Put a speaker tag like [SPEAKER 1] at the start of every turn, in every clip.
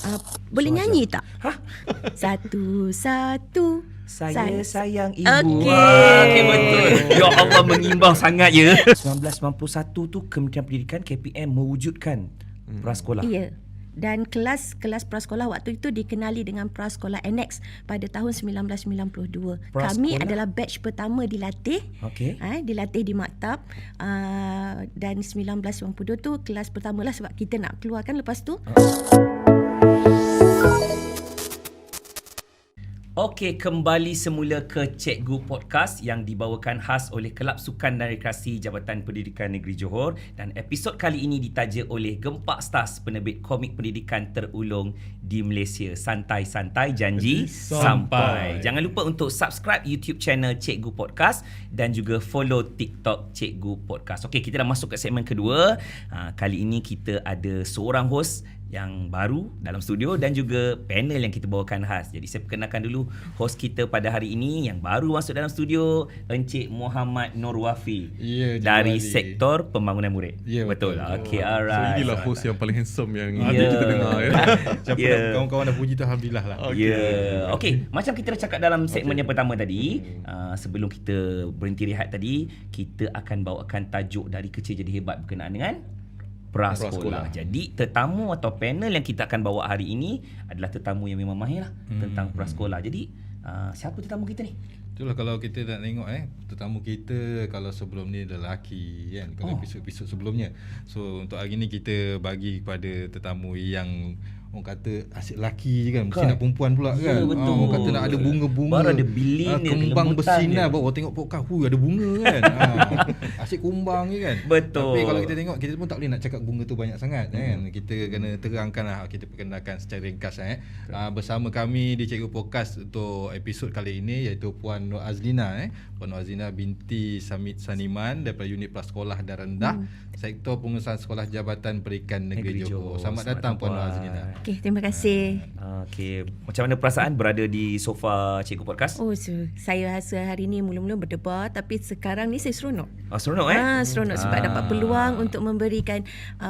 [SPEAKER 1] Boleh
[SPEAKER 2] So
[SPEAKER 1] nyanyi
[SPEAKER 2] Azhar.
[SPEAKER 1] tak?
[SPEAKER 2] Hah?
[SPEAKER 1] Satu.
[SPEAKER 2] Saya sayang ibu.
[SPEAKER 1] Okey.
[SPEAKER 2] Okey, betul. Ya Allah, mengimbang sangat ya. 1991 tu Kementerian Pendidikan KPM mewujudkan prasekolah.
[SPEAKER 1] Ya. Dan kelas prasekolah waktu itu dikenali dengan prasekolah annex pada tahun 1992. Kami
[SPEAKER 2] Prasekolah?
[SPEAKER 1] adalah batch pertama dilatih.
[SPEAKER 2] Okey.
[SPEAKER 1] Dilatih di maktab. Dan 1992 tu kelas pertama lah sebab kita nak keluarkan lepas tu.
[SPEAKER 2] Okey, kembali semula ke Cikgu Podcast yang dibawakan khas oleh Kelab Sukan dan Rekreasi Jabatan Pendidikan Negeri Johor, dan episod kali ini ditaja oleh Gempak Stars, penerbit komik pendidikan terulung di Malaysia. Santai-santai, janji sampai. Jangan lupa untuk subscribe YouTube channel Cikgu Podcast dan juga follow TikTok Cikgu Podcast. Okey, kita dah masuk ke segmen kedua. Kali ini kita ada seorang host yang baru dalam studio dan juga panel yang kita bawakan khas. Jadi saya perkenalkan dulu host kita pada hari ini yang baru masuk dalam studio, Encik Muhammad Nur Wafi dari sektor pembangunan murid.
[SPEAKER 3] Ya,
[SPEAKER 2] betul. Okey,
[SPEAKER 3] So
[SPEAKER 2] alright.
[SPEAKER 3] inilah host yang paling handsome yang kita dengar ya. Siapa kawan-kawan dah puji tu alhamdulillah lah.
[SPEAKER 2] Okey, macam kita dah cakap dalam segmen yang pertama tadi, sebelum kita berhenti rehat tadi, kita akan bawakan tajuk dari kecil jadi hebat berkenaan dengan prasekolah. Jadi tetamu atau panel yang kita akan bawa hari ini adalah tetamu yang memang mahir lah tentang prasekolah. Jadi siapa tetamu kita ni?
[SPEAKER 3] Itulah kalau kita nak tengok tetamu kita kalau sebelum ni adalah lelaki kan, kalau episod-episod sebelumnya. So untuk hari ni kita bagi kepada tetamu yang orang kata asyik lelaki je kan, mesti nak perempuan pula kan.
[SPEAKER 2] Betul.
[SPEAKER 3] Orang kata nak ada bunga-bunga,
[SPEAKER 2] baru ada bilin dia,
[SPEAKER 3] kembang
[SPEAKER 2] kelembutan
[SPEAKER 3] bersinar,
[SPEAKER 2] dia.
[SPEAKER 3] baru tengok podcast ada bunga kan. Asyik kumbang je kan.
[SPEAKER 2] Betul.
[SPEAKER 3] Tapi kalau kita tengok, kita pun tak boleh nak cakap bunga tu banyak sangat kan. Kita kena terangkan lah, kita perkenalkan secara ringkas bersama kami di Cikgu Podcast untuk episod kali ini iaitu Puan Nur Azlina Puan Nur Azlina binti Samit Saniman daripada unit prasekolah dan rendah Sektor Pengurusan Sekolah Jabatan Pendidikan Negeri Johor. Selamat datang Puan Nur Azlina.
[SPEAKER 1] Okey, terima kasih.
[SPEAKER 2] Okey, macam mana perasaan berada di sofa Cikgu Podcast?
[SPEAKER 1] Saya rasa hari ni mula-mula berdebar, tapi sekarang ni saya seronok.
[SPEAKER 2] Seronok
[SPEAKER 1] Seronok sebab dapat peluang untuk memberikan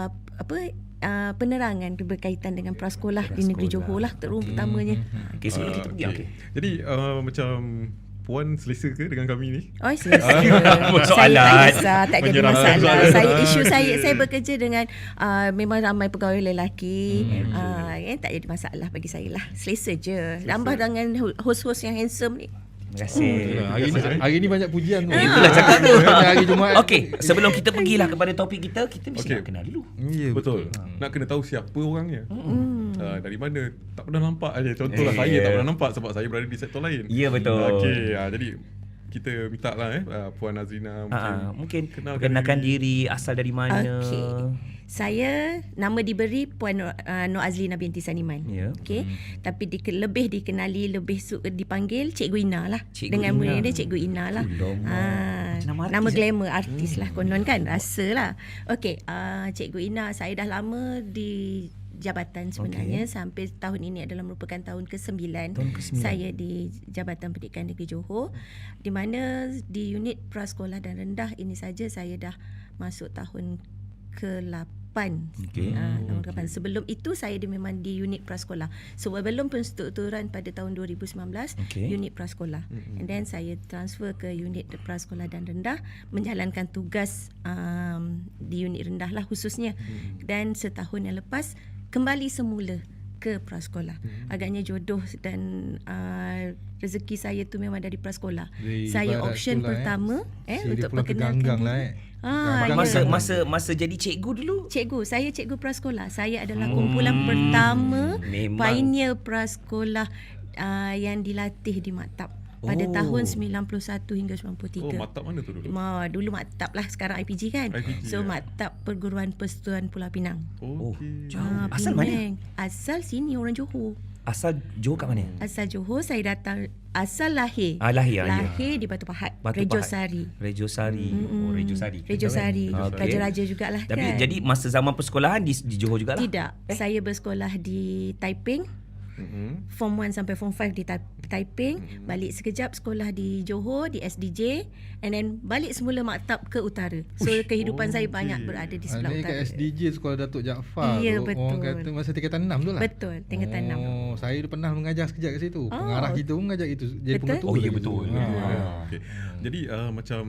[SPEAKER 1] penerangan berkaitan dengan prasekolah di Negeri Johor lah terutamanya.
[SPEAKER 2] Okey, sebelum kita pergi. Okey.
[SPEAKER 3] Jadi macam Puan selesa ke dengan kami ni?
[SPEAKER 1] Selesa.
[SPEAKER 2] Soalan.
[SPEAKER 1] Saya tak jadi masalah. Saya bekerja dengan memang ramai pegawai lelaki. Tak jadi masalah bagi saya lah. Selesa je. Tambah dengan host-host yang handsome ni.
[SPEAKER 2] Terima kasih.
[SPEAKER 3] Hari ni banyak pujian tu.
[SPEAKER 2] Itulah cakap tu.
[SPEAKER 3] Hari Jumaat.
[SPEAKER 2] Okey, sebelum kita pergilah kepada topik kita mesti nak kenal dulu.
[SPEAKER 3] Ya,
[SPEAKER 4] betul. Nak kena tahu siapa orangnya. Dari mana? Tak pernah nampak aja. Contohlah saya tak pernah nampak sebab saya berada di sektor lain.
[SPEAKER 2] Ya, betul.
[SPEAKER 4] Okey, jadi kita minta lah Puan Azlina
[SPEAKER 2] mungkin perkenalkan diri, asal dari mana.
[SPEAKER 1] Okey. Saya nama diberi Puan Nur Azlina binti Saniman.
[SPEAKER 2] Ya.
[SPEAKER 1] Okey. Tapi lebih dikenali, lebih dipanggil Cikgu Ina lah. Dengan murid dia Cikgu Ina lah. Nama glamour artis lah konon kan, rasalah. Okey, Cikgu Ina, saya dah lama di jabatan sebenarnya sampai tahun ini adalah merupakan tahun ke-9 saya di Jabatan Pendidikan Negeri Johor, di mana di unit prasekolah dan rendah ini saja saya dah masuk tahun ke-8. Tahun ke-8. Sebelum itu saya memang di unit prasekolah. Sebelum penstrukturan pada tahun 2019 unit prasekolah. And then saya transfer ke unit prasekolah dan rendah menjalankan tugas di unit rendah lah khususnya. Dan setahun yang lepas kembali semula ke prasekolah. Agaknya jodoh dan rezeki saya tu memang dari prasekolah. Saya option pertama untuk perkenalkan
[SPEAKER 2] masa jadi cikgu dulu.
[SPEAKER 1] Saya cikgu prasekolah. Saya adalah kumpulan pertama pioneer prasekolah yang dilatih di maktab pada tahun 91 hingga 93.
[SPEAKER 4] Maktab mana tu dulu?
[SPEAKER 1] Dulu maktab lah, sekarang IPG kan. Maktab Perguruan Persatuan Pulau Pinang.
[SPEAKER 2] Jauh. Asal mana?
[SPEAKER 1] Asal sini orang Johor.
[SPEAKER 2] Asal Johor kat mana?
[SPEAKER 1] Asal Johor, saya datang asal lahir. Lahir di Batu Pahat, Rejosari.
[SPEAKER 2] Rejosari.
[SPEAKER 1] Rejosari. Raja-raja jugalah kan.
[SPEAKER 2] Tapi jadi masa zaman persekolahan di Johor jugalah?
[SPEAKER 1] Tidak. Saya bersekolah di Taiping. Form 1 sampai Form 5 di Taiping, balik sekejap sekolah di Johor di SDJ, and then balik semula maktab ke utara. So kehidupan saya banyak berada di sebelah
[SPEAKER 3] Ini
[SPEAKER 1] utara.
[SPEAKER 3] kat SDJ Sekolah Datuk Jaafar
[SPEAKER 1] Ya,
[SPEAKER 3] tu.
[SPEAKER 1] betul.
[SPEAKER 3] Orang kata masa tingkatan 6 tu lah.
[SPEAKER 1] Betul, tingkatan 6.
[SPEAKER 3] Oh, saya pernah mengajar sekejap kat situ. Pengarah kita pun mengajar itu. Jadi
[SPEAKER 1] Betul?
[SPEAKER 3] pengetua.
[SPEAKER 2] Oh, ya,
[SPEAKER 3] kat
[SPEAKER 2] betul.
[SPEAKER 3] situ.
[SPEAKER 4] Okay. Jadi macam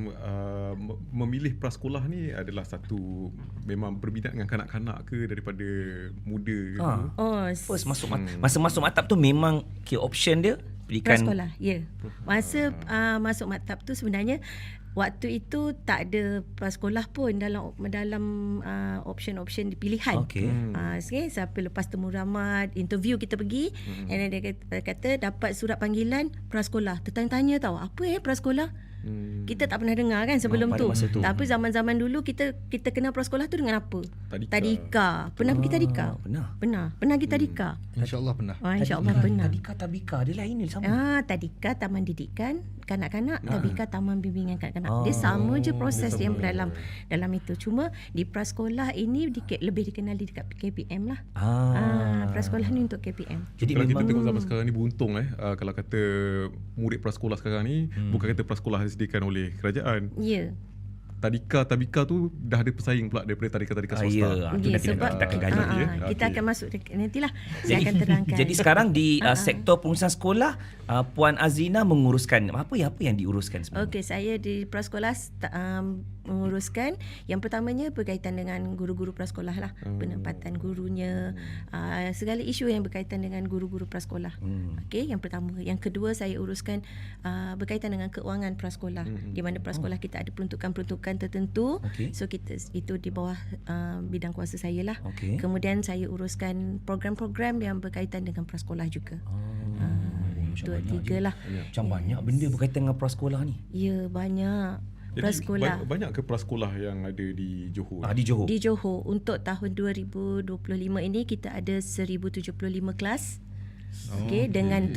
[SPEAKER 4] memilih prasekolah ni adalah satu memang berminat dengan kanak-kanak ke daripada muda ke?
[SPEAKER 1] Oh,
[SPEAKER 2] First masa masuk maktab tu memang option dia pendidikan
[SPEAKER 1] prasekolah. Ya. Masa masuk maktab tu sebenarnya waktu itu tak ada prasekolah pun dalam option-option pilihan.
[SPEAKER 2] Okey.
[SPEAKER 1] Siapa lepas temu ramad, interview kita pergi, and then dia kata dapat surat panggilan prasekolah. Tertanya-tanya tahu apa prasekolah? Kita tak pernah dengar kan sebelum
[SPEAKER 2] pada
[SPEAKER 1] tu.
[SPEAKER 2] masa tu.
[SPEAKER 1] Tapi zaman-zaman dulu kita kenal prasekolah tu dengan apa?
[SPEAKER 4] Tadika.
[SPEAKER 1] Pernah pergi tadika?
[SPEAKER 2] Pernah.
[SPEAKER 1] Pernah pergi tadika?
[SPEAKER 3] InsyaAllah pernah.
[SPEAKER 1] InsyaAllah pernah.
[SPEAKER 2] Tadika dia lain ni sama.
[SPEAKER 1] Tadika Taman Didikan Kanak-kanak, Tabika Taman Bimbingan Kanak-kanak. Dia sama je proses dia dalam itu. Cuma di prasekolah ini lebih dikenali dekat KPM lah. Prasekolah ni untuk KPM.
[SPEAKER 2] Jadi
[SPEAKER 4] Kalau kita
[SPEAKER 2] memang
[SPEAKER 4] tengok zaman sekarang ni beruntung kalau kata murid prasekolah sekarang ni bukan kata prasekolah disediakan oleh kerajaan.
[SPEAKER 1] Ya.
[SPEAKER 4] Tabika tu dah ada pesaing pula daripada tadika-tadika swasta.
[SPEAKER 1] Ya, sebab
[SPEAKER 2] kita akan gali.
[SPEAKER 1] kita akan masuk nantilah saya akan terangkan.
[SPEAKER 2] Jadi sekarang di sektor pengurusan sekolah, Puan Azlina menguruskan apa yang diuruskan sebenarnya?
[SPEAKER 1] Okey, saya di prasekolah menguruskan yang pertamanya berkaitan dengan guru-guru prasekolah lah, penempatan gurunya, segala isu yang berkaitan dengan guru-guru prasekolah. Okey, yang pertama. Yang kedua saya uruskan berkaitan dengan keuangan prasekolah, di mana prasekolah kita ada peruntukan tertentu. So kita itu di bawah bidang kuasa saya lah. Kemudian saya uruskan program-program yang berkaitan dengan prasekolah juga. Dua, tiga lah.
[SPEAKER 2] Macam banyak benda berkaitan dengan prasekolah ni.
[SPEAKER 1] Ya, banyak. Prasekolah.
[SPEAKER 4] Banyak ke prasekolah yang ada di Johor?
[SPEAKER 2] Di Johor.
[SPEAKER 1] Di Johor untuk tahun 2025 ini kita ada 1075 kelas. Dengan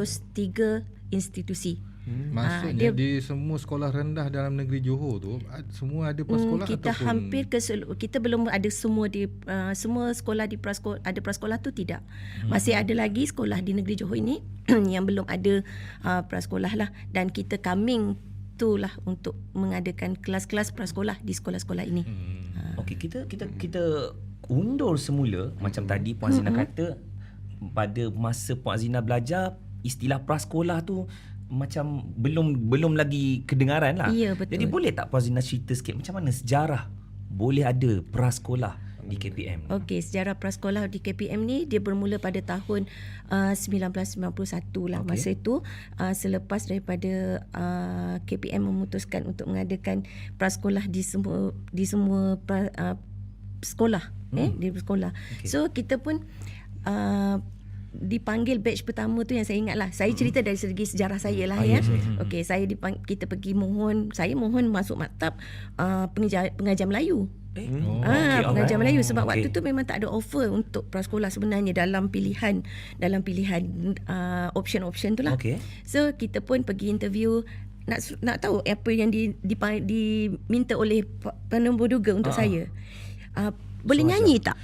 [SPEAKER 1] 703 institusi.
[SPEAKER 3] Maksudnya di semua sekolah rendah dalam negeri Johor tu semua ada prasekolah
[SPEAKER 1] kita
[SPEAKER 3] ataupun
[SPEAKER 1] hampir kita belum ada semua di semua sekolah di prasekolah ada prasekolah tu tidak. Masih ada lagi sekolah di negeri Johor ini yang belum ada prasekolah lah, dan kita coming itulah untuk mengadakan kelas-kelas prasekolah di sekolah-sekolah ini.
[SPEAKER 2] Okey, kita undur semula macam tadi Puan Azlina kata, pada masa Puan Azlina belajar istilah prasekolah tu macam belum lagi kedengaran lah.
[SPEAKER 1] Ya, betul.
[SPEAKER 2] Jadi boleh tak Puan Azlina cerita sikit macam mana sejarah boleh ada prasekolah di KPM?
[SPEAKER 1] Okey, sejarah prasekolah di KPM ni dia bermula pada tahun 1991 lah. Masa itu selepas daripada KPM memutuskan untuk mengadakan prasekolah di semua sekolah di sekolah. So kita pun dipanggil batch pertama tu yang saya ingat lah. Saya cerita dari segi sejarah saya lah ya. Okey, kita pergi saya mohon masuk maktab pengajar Melayu. Pengajar Melayu sebab waktu tu memang tak ada offer untuk prasekolah sebenarnya dalam pilihan option tu lah. So kita pun pergi interview nak tahu apa yang diminta oleh penumbur duga untuk saya. Boleh nyanyi tak?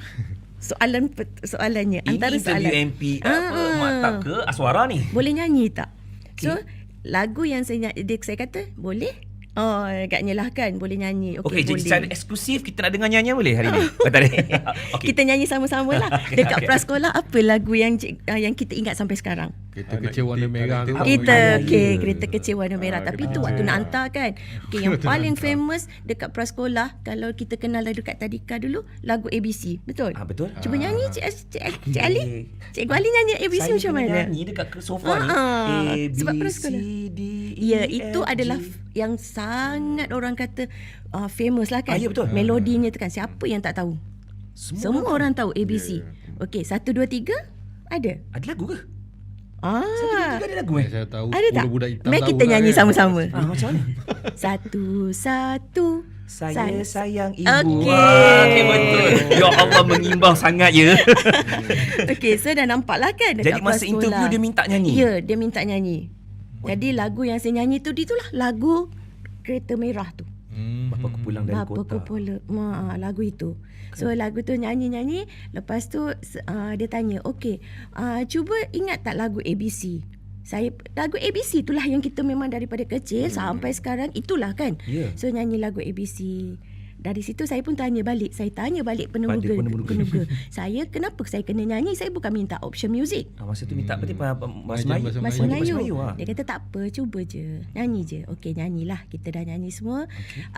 [SPEAKER 1] Soalannya
[SPEAKER 2] ini
[SPEAKER 1] antara soalan
[SPEAKER 2] MP maktab ke Aswara ni?
[SPEAKER 1] boleh nyanyi tak? So lagu yang saya kata boleh. Oh, agaknya lah kan boleh nyanyi.
[SPEAKER 2] Okey, jadi
[SPEAKER 1] boleh.
[SPEAKER 2] secara eksklusif kita nak dengar nyanyian boleh hari ni? Tak ada.
[SPEAKER 1] Kita nyanyi sama-sama lah. Dekat prasekolah apa lagu yang kita ingat sampai sekarang?
[SPEAKER 3] kereta kecil warna merah tu.
[SPEAKER 1] Kereta kecil warna merah. Tapi itu waktu nak hantar kan. Okey, yang paling famous dekat prasekolah kalau kita kenal dekat Tadika dulu lagu ABC. Betul?
[SPEAKER 2] Betul.
[SPEAKER 1] Cuba nyanyi Cik Ali. Cikgu Ali nyanyi ABC macam mana?
[SPEAKER 2] Saya nyanyi dekat sofa ni.
[SPEAKER 1] Sebab prasekolah. Ya, itu adalah yang sangat orang kata famous lah kan.
[SPEAKER 2] Ya, betul.
[SPEAKER 1] Melodinya tu kan. Siapa yang tak tahu? Semua orang tahu ABC. Okey, 1, 2, 3 ada.
[SPEAKER 2] Ada lagu ke?
[SPEAKER 1] 1, 2, 3
[SPEAKER 2] ada lagu
[SPEAKER 3] Saya tahu
[SPEAKER 1] ada tak?
[SPEAKER 3] budak hitam
[SPEAKER 1] Mari
[SPEAKER 3] tahu
[SPEAKER 1] kita
[SPEAKER 3] lah
[SPEAKER 1] nyanyi
[SPEAKER 3] kan.
[SPEAKER 1] sama-sama.
[SPEAKER 2] Macam mana?
[SPEAKER 1] 1, 1.
[SPEAKER 2] Saya sayang ibu.
[SPEAKER 1] Okey.
[SPEAKER 2] Okey, betul. Ya Allah, mengimbang sangat ya.
[SPEAKER 1] Okey, so dah nampak lah kan dekat
[SPEAKER 2] Jadi masa
[SPEAKER 1] prasekolah.
[SPEAKER 2] interview dia minta nyanyi?
[SPEAKER 1] Ya, dia minta nyanyi. Jadi lagu yang saya nyanyi tu itulah lagu Kereta Merah tu.
[SPEAKER 2] Bapa ku pulang dari
[SPEAKER 1] Bapa
[SPEAKER 2] kota.
[SPEAKER 1] ku pulang, lagu itu. So lagu tu nyanyi-nyanyi, lepas tu dia tanya, okey, cuba ingat tak lagu ABC? Lagu ABC itulah yang kita memang daripada kecil sampai sekarang itulah kan.
[SPEAKER 2] Ya.
[SPEAKER 1] So nyanyi lagu ABC. Dari situ saya pun tanya balik. Saya tanya balik penemuga. Saya kenapa saya kena nyanyi? Saya bukan minta option music.
[SPEAKER 2] Masa tu minta berarti bahasa
[SPEAKER 3] Ajar
[SPEAKER 2] Melayu.
[SPEAKER 3] bahasa
[SPEAKER 1] Bahasa
[SPEAKER 3] Melayu.
[SPEAKER 1] Melayu.
[SPEAKER 2] Melayu,
[SPEAKER 1] Dia kata tak apa, cuba je. Nyanyi je. Okey, nyanyilah. Kita dah nyanyi semua.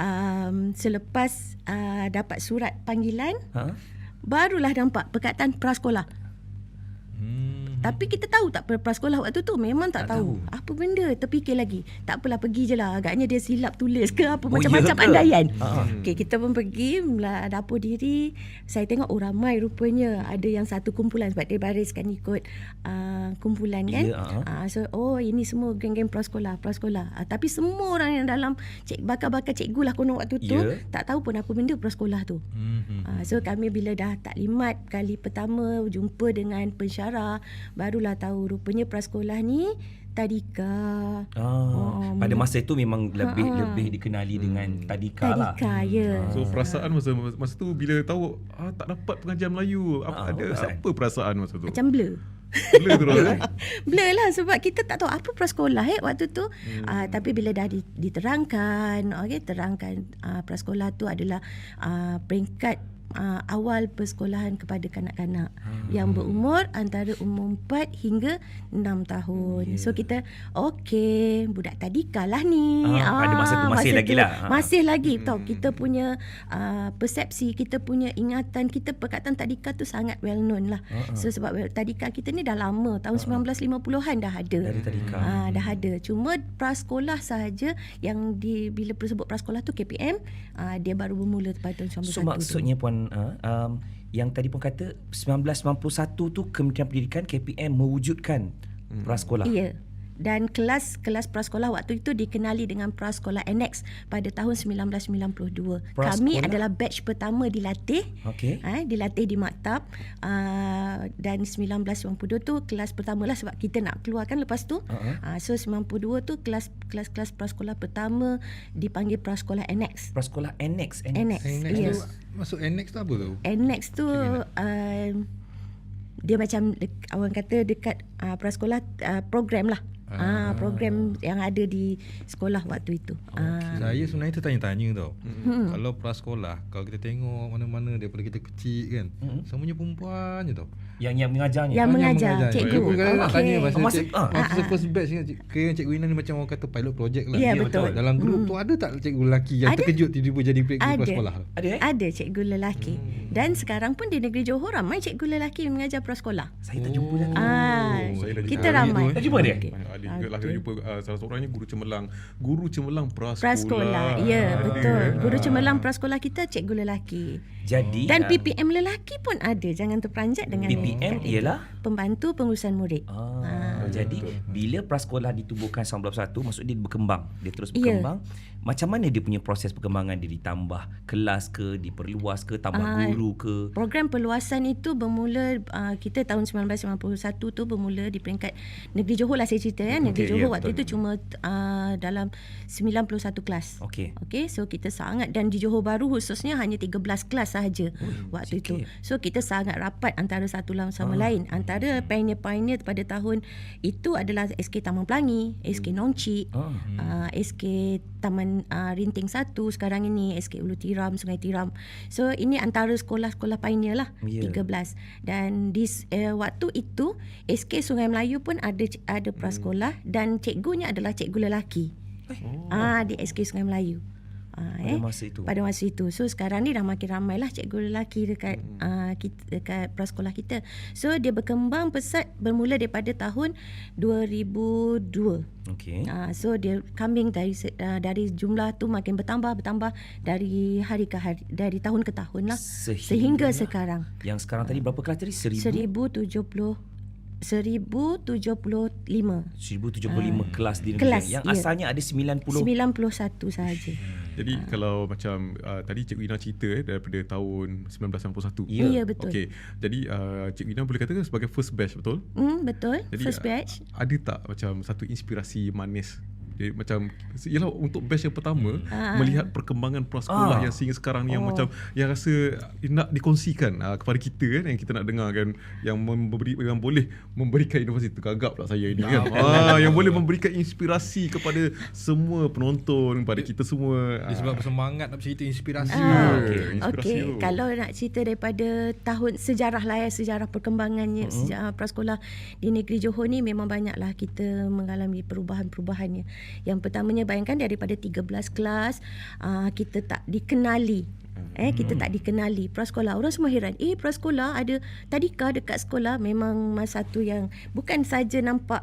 [SPEAKER 1] Selepas dapat surat panggilan, barulah nampak perkataan prasekolah. Tapi kita tahu tak prasekolah waktu tu? Memang tak tahu. Apa benda? Terfikir lagi. Tak apalah, pergi je lah. Agaknya dia silap tulis ke apa. Macam-macam andaian. Okay, kita pun pergi dapur diri. Saya tengok ramai rupanya. Ada yang satu kumpulan sebab dia bariskan ikut kumpulan kan. So ini semua geng-geng prasekolah. Tapi semua orang yang dalam bakal-bakal cikgu lah konon waktu tu tak tahu pun apa benda prasekolah tu. So kami bila dah taklimat kali pertama jumpa dengan pensyarah, barulah tahu rupanya prasekolah ni tadika.
[SPEAKER 2] Pada masa itu memang lebih dikenali dengan tadika lah.
[SPEAKER 1] Tadika, ya.
[SPEAKER 4] So perasaan masa tu bila tahu tak dapat pengajar Melayu, apa perasaan masa tu?
[SPEAKER 1] Macam blur.
[SPEAKER 4] Blur terus
[SPEAKER 1] Blur lah sebab kita tak tahu apa prasekolah waktu tu. Tapi bila dah diterangkan, terangkan prasekolah tu adalah peringkat awal persekolahan kepada kanak-kanak yang berumur antara umur 4 hingga 6 tahun. So kita budak tadika lah ni.
[SPEAKER 2] Pada masa tu masih lagi lah.
[SPEAKER 1] Masih lagi tahu kita punya persepsi, kita punya ingatan, kita perkataan tadika tu sangat well known lah. So sebab tadika kita ni dah lama, tahun 1950-an dah ada.
[SPEAKER 2] Dari tadika.
[SPEAKER 1] Dah ada. Cuma prasekolah sahaja yang bila sebut prasekolah tu KPM, dia baru bermula pada tahun 1991
[SPEAKER 2] So maksudnya Puan yang tadi pun kata 1991 tu Kementerian Pendidikan KPM mewujudkan prasekolah.
[SPEAKER 1] Ya. Dan kelas prasekolah waktu itu dikenali dengan prasekolah annex pada tahun 1992. Kami adalah batch pertama dilatih. Dilatih di maktab dan 1992 tu kelas pertama lah sebab kita nak keluarkan lepas tu. So 92 tu kelas prasekolah pertama dipanggil prasekolah annex.
[SPEAKER 2] Prasekolah annex.
[SPEAKER 1] Yes.
[SPEAKER 3] Masuk annex tu apa tu?
[SPEAKER 1] Annex tu dia macam orang kata dekat prasekolah program lah. Program yang ada di sekolah waktu itu.
[SPEAKER 3] Saya sebenarnya tertanya-tanya tau. Kalau prasekolah, kalau kita tengok mana-mana daripada kita kecil kan, semuanya perempuan je tau.
[SPEAKER 2] Yang mengajarnya.
[SPEAKER 1] Yang mengajar, cikgu.
[SPEAKER 3] Aku nak tanya masa first batch kira Cikgu Ina ni macam orang kata pilot project lah.
[SPEAKER 1] Ya, betul.
[SPEAKER 3] Dalam grup tu ada tak cikgu lelaki yang terkejut tiba-tiba jadi cikgu prasekolah?
[SPEAKER 1] Ada cikgu lelaki. Dan sekarang pun di negeri Johor ramai cikgu lelaki yang mengajar prasekolah.
[SPEAKER 2] Saya tak jumpa lagi.
[SPEAKER 1] Kita ramai.
[SPEAKER 2] Tak jumpa dia?
[SPEAKER 4] Ada juga lah kita jumpa salah seorangnya Guru cemerlang prasekolah.
[SPEAKER 1] Ya, betul. Guru cemerlang prasekolah kita cikgu lelaki.
[SPEAKER 2] Jadi
[SPEAKER 1] dan PPM lelaki pun ada. Jangan terperanjat dengan
[SPEAKER 2] PPM ialah
[SPEAKER 1] pembantu pengurusan murid.
[SPEAKER 2] Jadi bila prasekolah ditubuhkan 1991, maksud dia berkembang. Dia terus berkembang. Macam mana dia punya proses perkembangan dia? Ditambah kelas ke, diperluas ke, tambah guru ke? Program
[SPEAKER 1] perluasan itu bermula kita tahun 1991 tu bermula di peringkat Negeri Johor lah saya cerita ya. Negeri Johor waktu itu cuma dalam 91 kelas. Okey, so kita sangat, dan di Johor Bahru khususnya hanya 13 kelas sahaja waktu itu. So kita sangat rapat antara satu sama lain. Antara pioneer-pioneer pada tahun itu adalah SK Taman Pelangi, SK Nongcik, SK Taman Rinting 1 sekarang ini, SK Ulu Tiram, Sungai Tiram. So ini antara sekolah-sekolah pioneer lah, 13. Dan di waktu itu SK Sungai Melayu pun ada prasekolah dan cikgunya adalah cikgu lelaki. Di SK Sungai Melayu. Pada masa itu. So sekarang ni dah makin ramai lah cikgu lelaki dekat prasekolah kita. So dia berkembang pesat bermula daripada tahun 2002. So dia kambing dari jumlah tu makin bertambah dari hari ke hari, dari tahun ke tahun lah, sehingga sekarang.
[SPEAKER 2] Yang sekarang tadi berapa kelas tadi?
[SPEAKER 1] 1075
[SPEAKER 2] kelas di negeri yang asalnya ada 91
[SPEAKER 1] sahaja.
[SPEAKER 4] Jadi kalau macam tadi Cikgu Ina cerita daripada tahun 1991.
[SPEAKER 1] Ya, betul.
[SPEAKER 4] Okey. Jadi Cikgu Ina boleh katakan sebagai first batch, betul?
[SPEAKER 1] Betul. Jadi, first batch.
[SPEAKER 4] Ada tak macam satu inspirasi manis Dia macam ialah untuk batch yang pertama melihat perkembangan prasekolah yang sehingga sekarang ni yang macam yang rasa nak dikongsikan kepada kita kan, yang kita nak dengar kan, yang boleh memberikan inovasi. Tergagap pula saya ini kan. Yang boleh memberikan inspirasi kepada semua penonton, kepada kita semua.
[SPEAKER 3] Dia sebab bersemangat nak cerita inspirasi.
[SPEAKER 1] Okey, kalau nak cerita daripada tahun sejarah lah ya, sejarah perkembangannya sejarah prasekolah di negeri Johor ni memang banyaklah kita mengalami perubahan-perubahannya. Yang pertamanya bayangkan daripada 13 kelas kita tak dikenali. Kita tak dikenali prasekolah. Orang semua heran. Prasekolah ada tadika dekat sekolah. Memang masa tu yang bukan saja nampak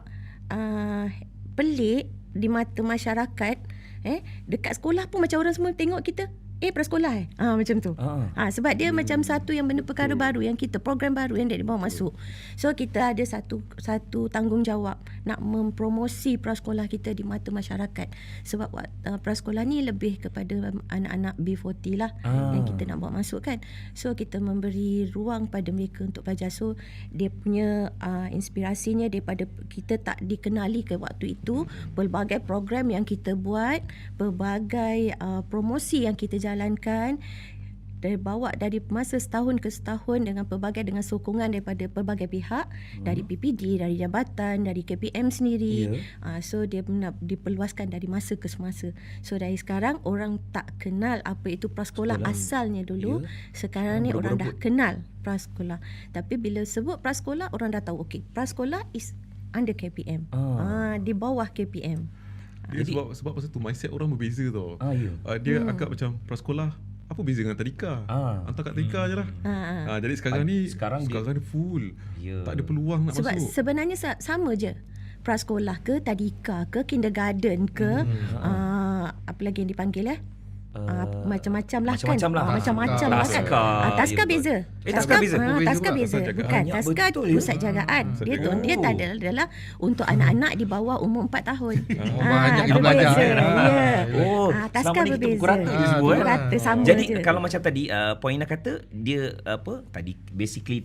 [SPEAKER 1] pelik di mata masyarakat. Dekat sekolah pun macam orang semua tengok kita. Prasekolah macam tu. Sebab dia macam satu yang benda perkara baru yang kita, program baru yang dia dibawa masuk. So kita ada satu tanggungjawab nak mempromosi prasekolah kita di mata masyarakat. Sebab prasekolah ni lebih kepada anak-anak B40 lah yang kita nak bawa masuk kan. So kita memberi ruang pada mereka untuk belajar. So dia punya inspirasinya daripada kita tak dikenali ke waktu itu, pelbagai program yang kita buat, pelbagai promosi yang kita jalankan, bawa dari masa setahun ke setahun dengan sokongan daripada pelbagai pihak, dari PPD, dari jabatan, dari KPM sendiri. So dia diperluaskan dari masa ke semasa. So dari sekarang orang tak kenal apa itu prasekolah asalnya dulu. Sekarang ni orang dah kenal prasekolah. Tapi bila sebut prasekolah, orang dah tahu prasekolah is under KPM. Di bawah KPM.
[SPEAKER 4] Dia sebab masa tu mindset orang berbeza tau. Dia agak macam prasekolah apa beza dengan tadika? Hantar kat tadika je lah. Jadi sekarang ni full. Tak ada peluang nak
[SPEAKER 1] sebab
[SPEAKER 4] masuk.
[SPEAKER 1] Sebenarnya sama je. Prasekolah ke, tadika ke, kindergarten ke, apa lagi yang dipanggil macam-macam lah kan. Macam-macam lah kan. Taska beza.
[SPEAKER 2] Taska beza.
[SPEAKER 1] Taska beza. Bukan. Taska pusat jagaan. Dia tak adalah untuk anak-anak di bawah umur 4 tahun.
[SPEAKER 3] Banyak kita belajar.
[SPEAKER 1] Taska berbeza.
[SPEAKER 2] Pukul
[SPEAKER 1] rata sama
[SPEAKER 2] je. Jadi
[SPEAKER 1] je.
[SPEAKER 2] kalau macam tadi Puan Ina kata dia tadi basically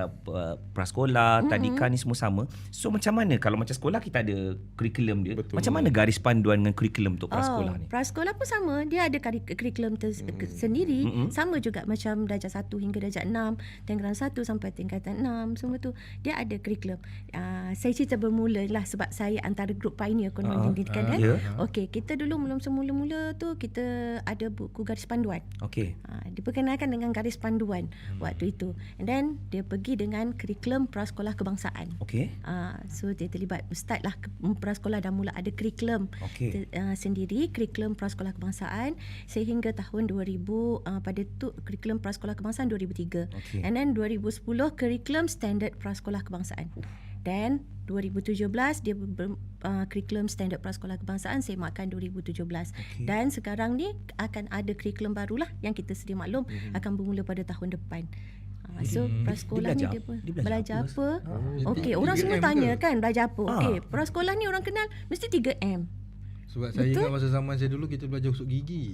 [SPEAKER 2] prasekolah, tadika ni semua sama. So macam mana kalau macam sekolah kita ada kurikulum dia?
[SPEAKER 4] Betul.
[SPEAKER 2] Macam mana garis panduan dengan kurikulum untuk prasekolah ni?
[SPEAKER 1] Prasekolah pun sama. Dia ada kurikulum sendiri. Sama juga macam darjah 1 hingga darjah 6, tingkatan 1 sampai tingkatan 6, semua tu dia ada kurikulum. Saya cerita bermula lah sebab saya antara grup pioneer konon pendidikan kan. Okey, kita dulu semula-mula tu kita ada buku garis panduan.
[SPEAKER 2] Okey.
[SPEAKER 1] Diperkenalkan dengan garis panduan waktu itu. And then dia pergi dengan kurikulum prasekolah kebangsaan.
[SPEAKER 2] Okey.
[SPEAKER 1] So dia terlibat start lah prasekolah dah mula ada kurikulum sendiri, kurikulum prasekolah kebangsaan sehingga tahun 2000 pada tu kurikulum prasekolah kebangsaan 2003. And then 2010 kurikulum standard prasekolah kebangsaan. Dan 2017 dia kurikulum standard prasekolah kebangsaan semakkan 2017. Dan sekarang ni akan ada kurikulum barulah yang kita sedia maklum akan bermula pada tahun depan. So prasekolah ni dia belajar apa? Okey, orang semua tanya kan belajar apa? Okey, prasekolah ni orang kenal mesti 3M.
[SPEAKER 3] Sebab saya ingat masa zaman saya dulu kita belajar usuk gigi.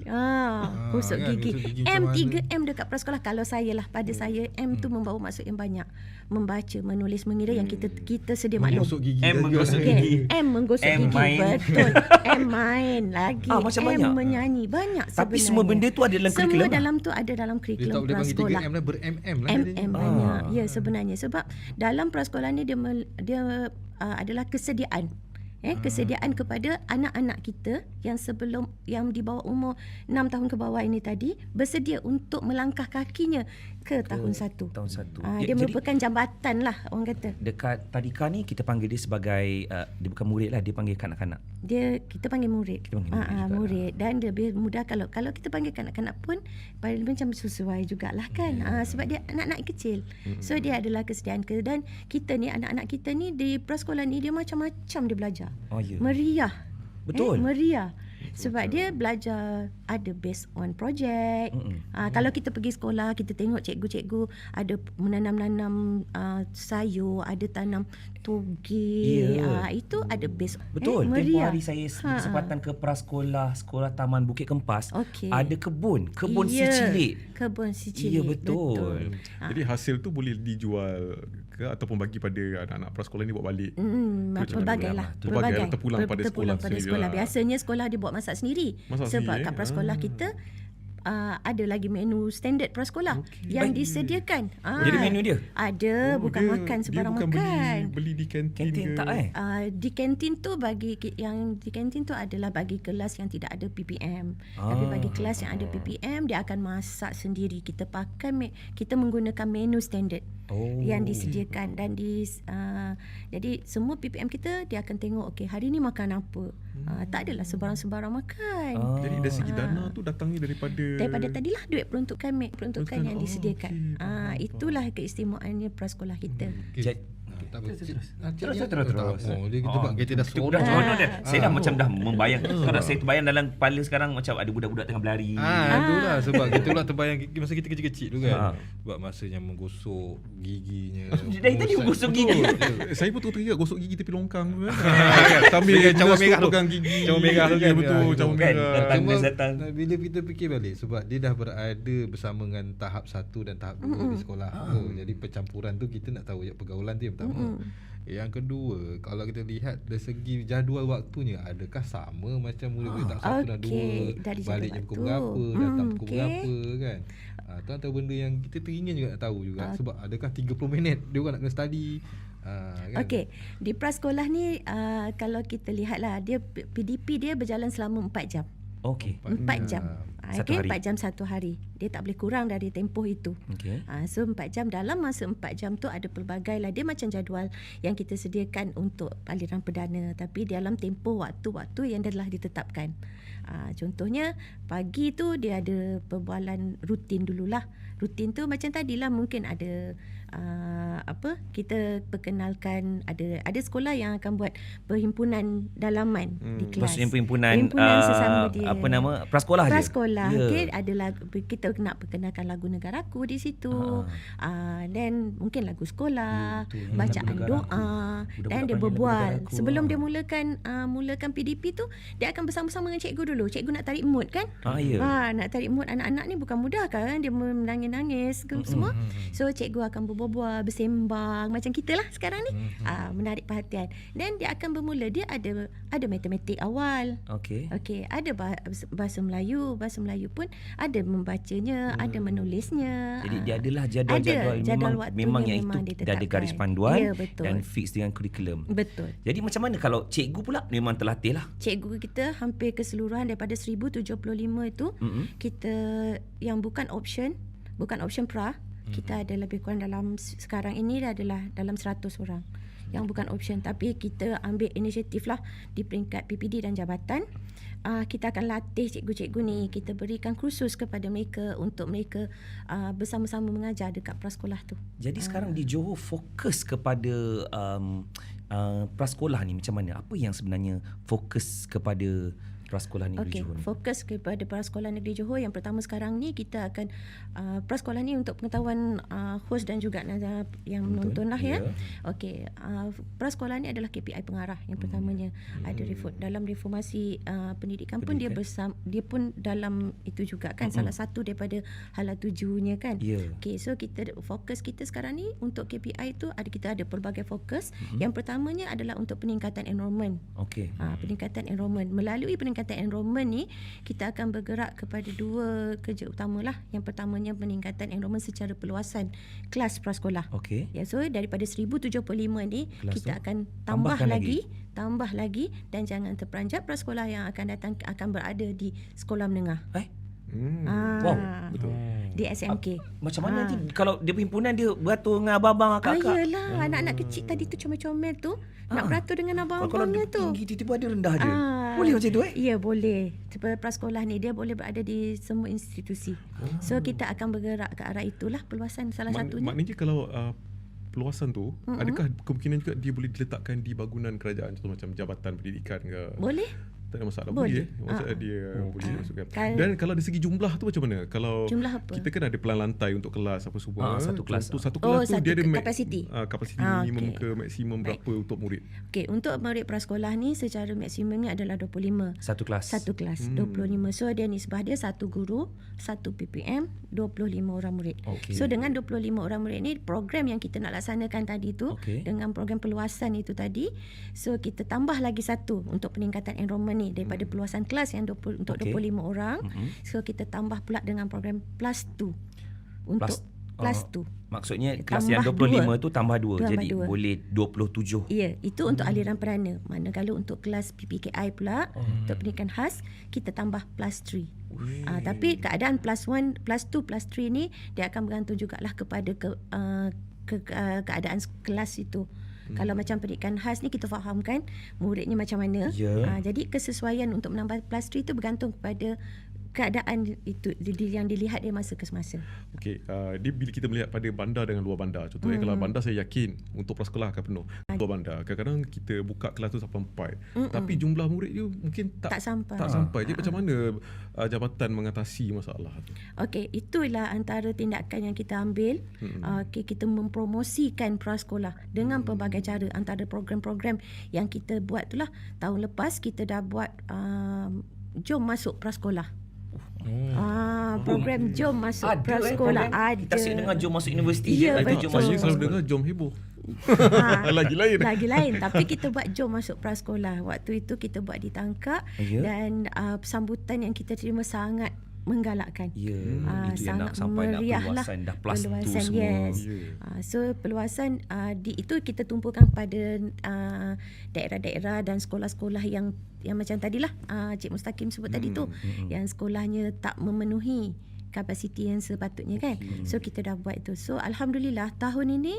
[SPEAKER 1] Usuk
[SPEAKER 3] kan,
[SPEAKER 1] gigi.
[SPEAKER 3] usuk gigi
[SPEAKER 1] M,
[SPEAKER 3] macam
[SPEAKER 1] 3M dekat prasekolah. Kalau saya lah, pada saya M tu membawa maksud yang banyak. Membaca, menulis, mengira yang kita sedia maklum.
[SPEAKER 3] Menggosok gigi.
[SPEAKER 2] M menggosok gigi.
[SPEAKER 1] M menggosok gigi.
[SPEAKER 2] Main.
[SPEAKER 1] Betul. M main lagi.
[SPEAKER 2] Macam
[SPEAKER 1] M
[SPEAKER 2] banyak.
[SPEAKER 1] menyanyi. Banyak sebenarnya.
[SPEAKER 2] Tapi semua benda tu ada dalam kurikulum.
[SPEAKER 1] Semua dalam tu ada dalam
[SPEAKER 3] Dia
[SPEAKER 1] kurikulum
[SPEAKER 3] tak boleh panggil
[SPEAKER 1] prasekolah.
[SPEAKER 3] 3M lah, ber-MM lah.
[SPEAKER 1] MM banyak. Ya, sebenarnya sebab dalam prasekolah ni dia adalah kesediaan. Kesediaan kepada anak-anak kita yang sebelum yang di bawah umur 6 tahun ke bawah ini tadi bersedia untuk melangkah kakinya ke tahun 1.
[SPEAKER 2] Tahun 1.
[SPEAKER 1] Dia merupakan jambatan lah orang kata.
[SPEAKER 2] Dekat tadika ni kita panggil dia sebagai dia bukan murid lah, dia panggil kanak-kanak.
[SPEAKER 1] Kita panggil murid. Murid dan dia lebih mudah kalau kita panggil kanak-kanak pun macam sesuai jugalah kan. Sebab dia anak-anak kecil. So dia adalah kesediaan dan kita ni anak-anak kita ni di prasekolah ni dia macam-macam dia belajar. Meriah.
[SPEAKER 2] Betul.
[SPEAKER 1] Meriah. Sebab dia belajar ada based on project. Kalau kita pergi sekolah, kita tengok cikgu-cikgu ada menanam-nanam sayur, ada tanam toge. Itu ada based.
[SPEAKER 2] Betul. Tempoh
[SPEAKER 1] meriah.
[SPEAKER 2] hari saya kesempatan ke prasekolah, sekolah Taman Bukit Kempas.
[SPEAKER 1] Okey.
[SPEAKER 2] Ada kebun si cilik.
[SPEAKER 1] Kebun si cilik.
[SPEAKER 2] Ya, betul.
[SPEAKER 4] Jadi hasil tu boleh dijual ke ataupun bagi pada anak-anak prasekolah ni buat balik?
[SPEAKER 1] Pelbagai lah.
[SPEAKER 4] Terpulang pada sekolah sendiri lah.
[SPEAKER 1] Biasanya sekolah dia buat masak sendiri. Sebab kat prasekolah kita ada lagi menu standard prasekolah yang disediakan.
[SPEAKER 2] Jadi menu dia?
[SPEAKER 1] Ada, bukan makan sembarang makan.
[SPEAKER 4] Beli di kantin ke?
[SPEAKER 2] Tak
[SPEAKER 1] Di kantin tu yang di kantin tu adalah bagi kelas yang tidak ada PPM. Tapi bagi kelas yang ada PPM dia akan masak sendiri. Kita menggunakan menu standard yang disediakan dan jadi semua PPM kita dia akan tengok hari ni makan apa. Tak adalah sembarang-sembarang makan.
[SPEAKER 4] Jadi dari segi dana tu datangnya daripada
[SPEAKER 1] tadilah duit peruntukan yang disediakan. Itulah keistimewaannya prasekolah kita.
[SPEAKER 2] Terus.
[SPEAKER 3] Sebab kita dah seronok.
[SPEAKER 2] Saya dah macam dah membayang. Kalau saya terbayang dalam kepala sekarang macam ada budak-budak tengah berlari.
[SPEAKER 3] Itulah sebab kita pula terbayang masa kita kecil-kecil tu kan. Buat masanya menggosok giginya.
[SPEAKER 2] Dari tadi menggosok gigi.
[SPEAKER 4] Saya pun terteringat gosok gigi tepi longkang tu kan.
[SPEAKER 3] Sambil cawan merah tu
[SPEAKER 4] pegang gigi.
[SPEAKER 3] Cawan merah tu kan.
[SPEAKER 4] Betul, cawan merah.
[SPEAKER 3] Bila kita fikir balik sebab dia dah berada bersama dengan tahap 1 dan tahap 2 di sekolah. Jadi percampuran tu kita nak tahu pergaulan tu yang pertama. Yang kedua, kalau kita lihat dari segi jadual waktunya, adakah sama macam murid-murid tahap 1 dan 2? Baliknya pukul berapa, datang pukul berapa kan? Itu antara benda yang kita teringin juga nak tahu juga. Sebab adakah 30 minit dia orang nak kena study? Kan?
[SPEAKER 1] Okey, di prasekolah ni kalau kita lihatlah dia PDP dia berjalan selama 4 jam.
[SPEAKER 2] Okey.
[SPEAKER 1] 4 jam.
[SPEAKER 2] Satu hari.
[SPEAKER 1] 4 jam satu hari. Dia tak boleh kurang dari tempoh itu. So 4 jam, dalam masa 4 jam tu ada pelbagai lah. Dia macam jadual yang kita sediakan untuk aliran perdana. Tapi dalam tempoh waktu-waktu yang telah ditetapkan. Contohnya pagi tu dia ada perbualan rutin dululah. Rutin tu macam tadilah mungkin ada kita perkenalkan ada sekolah yang akan buat perhimpunan dalaman di kelas.
[SPEAKER 2] Maksudnya perhimpunan
[SPEAKER 1] sesama dia.
[SPEAKER 2] Apa nama? Prasekolah je.
[SPEAKER 1] Prasekolah. Ada kita nak perkenalkan lagu negaraku di situ. Dan mungkin lagu sekolah, bacaan doa dan dia berbual. Sebelum dia mulakan PDP tu, dia akan bersama-sama dengan cikgu dulu. Cikgu nak tarik mood kan? Nak tarik mood anak-anak ni bukan mudah kan? Dia menangis-nangis semua. So cikgu akan berbual, bersembang macam kita lah sekarang ni. Menarik perhatian. Dan dia akan bermula, dia ada matematik awal. Okey, ada bahasa Melayu pun ada membacanya, ada menulisnya.
[SPEAKER 2] Jadi dia adalah jadual memang yang itu dah ada garis panduan dan fix dengan kurikulum.
[SPEAKER 1] Betul.
[SPEAKER 2] Jadi macam mana kalau cikgu pula memang terlatih lah?
[SPEAKER 1] Cikgu kita hampir keseluruhan daripada 1075 itu kita yang bukan option pra, kita ada lebih kurang dalam sekarang ini adalah dalam 100 orang yang bukan option, tapi kita ambil inisiatif lah di peringkat PPD dan jabatan. Kita akan latih cikgu-cikgu ni, kita berikan kursus kepada mereka untuk mereka bersama-sama mengajar dekat prasekolah tu.
[SPEAKER 2] Jadi sekarang di Johor fokus kepada prasekolah ni macam mana? Apa yang sebenarnya fokus kepada Prasekolah Negeri Johor?
[SPEAKER 1] Fokus kepada Prasekolah Negeri Johor. Yang pertama sekarang ni kita akan prasekolah ni untuk pengetahuan host dan juga yang menonton lah ya. Okey, prasekolah ni adalah KPI pengarah yang pertamanya. Ada dalam reformasi pendidikan pun dia pun dalam itu juga kan, salah satu daripada hala tujunya kan. Okey, so fokus kita sekarang ni untuk KPI tu kita ada pelbagai fokus. Yang pertamanya adalah untuk peningkatan enrolment. Peningkatan enrolment. Melalui peningkatan enrolment ni kita akan bergerak kepada dua kerja utama lah. Yang pertamanya peningkatan enrolment secara perluasan kelas prasekolah. So daripada 1075 ni kelas kita akan tambah lagi dan jangan terperanjat prasekolah yang akan datang akan berada di sekolah menengah.
[SPEAKER 2] Wow,
[SPEAKER 1] betul. Di SMK.
[SPEAKER 2] Macam mana nanti kalau dia perhimpunan dia beratur dengan abang-abang kakak?
[SPEAKER 1] Yelah, anak-anak kecil tadi tu comel-comel tu nak beratur dengan abang-abangnya tu.
[SPEAKER 2] Kalau tinggi tiba-tiba dia rendah je. Boleh macam tu
[SPEAKER 1] Ya, boleh. Sebab prasekolah ni dia boleh berada di semua institusi. So kita akan bergerak ke arah itulah perluasan salah satunya.
[SPEAKER 4] Maknanya kalau perluasan tu, adakah kemungkinan juga dia boleh diletakkan di bangunan kerajaan, contoh macam Jabatan Pendidikan ke?
[SPEAKER 1] Boleh.
[SPEAKER 4] Tak ada masalah,
[SPEAKER 1] Boleh.
[SPEAKER 4] boleh. Maksudnya dia boleh masukkan. Dan kalau dari segi jumlah tu macam mana? Kalau
[SPEAKER 1] Jumlah apa?
[SPEAKER 4] kita kan ada pelan lantai untuk kelas apa semua.
[SPEAKER 2] Satu kelas.
[SPEAKER 4] Satu kelas tu
[SPEAKER 1] satu
[SPEAKER 4] dia ada
[SPEAKER 1] kapasiti.
[SPEAKER 4] Kapasiti minimum ke maksimum berapa untuk murid?
[SPEAKER 1] Okey, untuk murid prasekolah ni secara maksimumnya adalah 25.
[SPEAKER 2] Satu kelas.
[SPEAKER 1] 25. So dia nisbah dia satu guru, 1 PPM, 25 orang murid.
[SPEAKER 2] Okey.
[SPEAKER 1] So dengan 25 orang murid ni, program yang kita nak laksanakan tadi tu, dengan program perluasan itu tadi, so kita tambah lagi satu untuk peningkatan enrolment ni daripada perluasan kelas yang 20 untuk 25 orang. So kita tambah pula dengan program plus 2 untuk plus 2.
[SPEAKER 2] Maksudnya kelas
[SPEAKER 1] Tambah
[SPEAKER 2] yang 25
[SPEAKER 1] dua.
[SPEAKER 2] tu tambah 2. Jadi
[SPEAKER 1] dua.
[SPEAKER 2] boleh 27.
[SPEAKER 1] Ya, itu untuk aliran perana. Manakala untuk kelas PPKI pula, untuk pendidikan khas, kita tambah plus 3. Tapi keadaan plus 1, plus 2, plus 3 ni dia akan bergantung jugalah kepada keadaan kelas itu. Kalau macam pendidikan khas ni kita fahamkan muridnya macam mana. Jadi kesesuaian untuk menambah plus 3 itu bergantung kepada keadaan itu yang dilihat dia masa ke semasa.
[SPEAKER 4] Okey, dia bila kita melihat pada bandar dengan luar bandar. Contohnya kalau bandar saya yakin untuk prasekolah akan penuh. Luar bandar kadang-kadang kita buka kelas tu sampai 4. Tapi jumlah murid dia mungkin tak sampai. Jadi macam mana jabatan mengatasi masalah tu?
[SPEAKER 1] Okey, itulah antara tindakan yang kita ambil. Kita mempromosikan prasekolah dengan pelbagai cara. Antara program-program yang kita buat itulah tahun lepas kita dah buat Jom Masuk Prasekolah. Program Jom Masuk Prasekolah ada.
[SPEAKER 2] Kita asyik dengar Jom Masuk Universiti.
[SPEAKER 1] Ya,
[SPEAKER 2] Ada
[SPEAKER 1] betul.
[SPEAKER 2] Jom Masuk
[SPEAKER 4] Saya selalu dengar Jom Heboh. Lagi lain.
[SPEAKER 1] Tapi kita buat Jom Masuk Prasekolah. Waktu itu kita buat di Tangkak. Dan sambutan yang kita terima sangat menggalakkan.
[SPEAKER 2] Itu yang
[SPEAKER 1] sangat
[SPEAKER 2] nak sampai
[SPEAKER 1] meriah
[SPEAKER 2] nak
[SPEAKER 1] lah.
[SPEAKER 2] perluasan dah plus 2 semua.
[SPEAKER 1] Yes. So perluasan itu kita tumpukan pada daerah-daerah dan sekolah-sekolah yang macam tadilah Cik Mustaqim sebut tadi tu, yang sekolahnya tak memenuhi kapasiti yang sepatutnya kan. So kita dah buat itu. So alhamdulillah tahun ini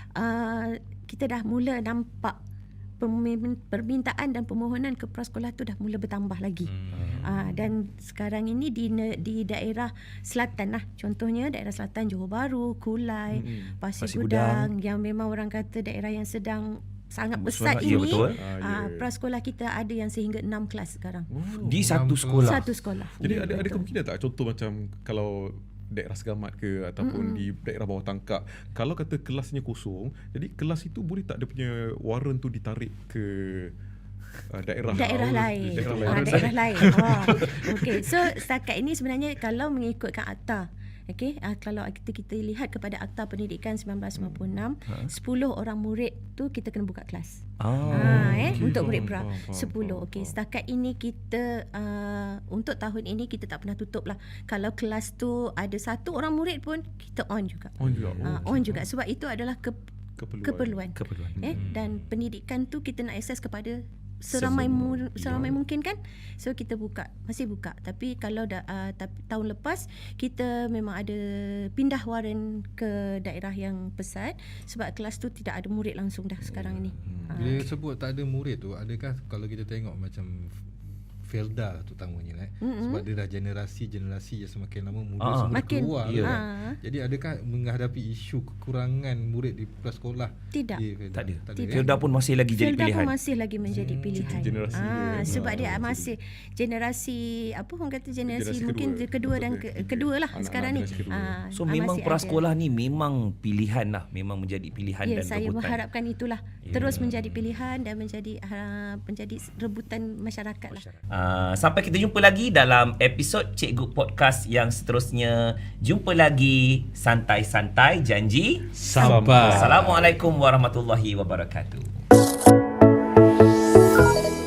[SPEAKER 1] kita dah mula nampak permintaan dan permohonan ke prasekolah tu dah mula bertambah lagi. Dan sekarang ini di daerah selatan lah, contohnya daerah selatan Johor Bahru, Kulai, Pasir Gudang, yang memang orang kata daerah yang sedang sangat besar ini.
[SPEAKER 2] Betul.
[SPEAKER 1] Prasekolah kita ada yang sehingga 6 kelas sekarang.
[SPEAKER 2] Di satu sekolah.
[SPEAKER 1] Satu sekolah.
[SPEAKER 4] Jadi ada kemungkinan tak contoh macam kalau daerah Segamat ke ataupun di daerah bawah Tangkak, kalau kata kelasnya kosong, jadi kelas itu boleh tak dia punya warren tu ditarik ke daerah lain.
[SPEAKER 1] Daerah lain. Okey, so setakat ini sebenarnya kalau mengikutkan akta, okey, kalau kita lihat kepada Akta Pendidikan 1996, 10 orang murid tu kita kena buka kelas. Untuk murid pra 10. Okey, setakat ini kita untuk tahun ini kita tak pernah tutup lah. Kalau kelas tu ada 1 orang murid pun kita on juga. On juga sebab itu adalah keperluan. Dan pendidikan tu kita nak akses kepada seramai mungkin kan. So kita masih buka. Tapi kalau tahun lepas kita memang ada pindah warren ke daerah yang pesat sebab kelas tu tidak ada murid langsung dah sekarang ini.
[SPEAKER 3] Bila sebut tak ada murid tu, adakah kalau kita tengok macam Felda terutamanya sebab dia dah generasi yang semakin lama murid semua
[SPEAKER 1] makin
[SPEAKER 3] keluar jadi adakah menghadapi isu kekurangan murid di prasekolah?
[SPEAKER 1] Tidak.
[SPEAKER 2] Tak ada. Felda pun masih lagi jadi pilihan.
[SPEAKER 1] Felda pun masih lagi menjadi pilihan.
[SPEAKER 4] Generasi
[SPEAKER 1] sebab dia masih generasi orang kata generasi mungkin kedua dan kedua lah sekarang ni.
[SPEAKER 2] So memang prasekolah ni memang pilihan lah, memang menjadi pilihan dan
[SPEAKER 1] saya
[SPEAKER 2] rebutan.
[SPEAKER 1] mengharapkan itulah terus menjadi pilihan dan menjadi rebutan masyarakat lah.
[SPEAKER 2] Sampai kita jumpa lagi dalam episod Cikgu Podcast yang seterusnya. Jumpa lagi, santai-santai, janji
[SPEAKER 3] Sampai.
[SPEAKER 2] Assalamualaikum warahmatullahi wabarakatuh.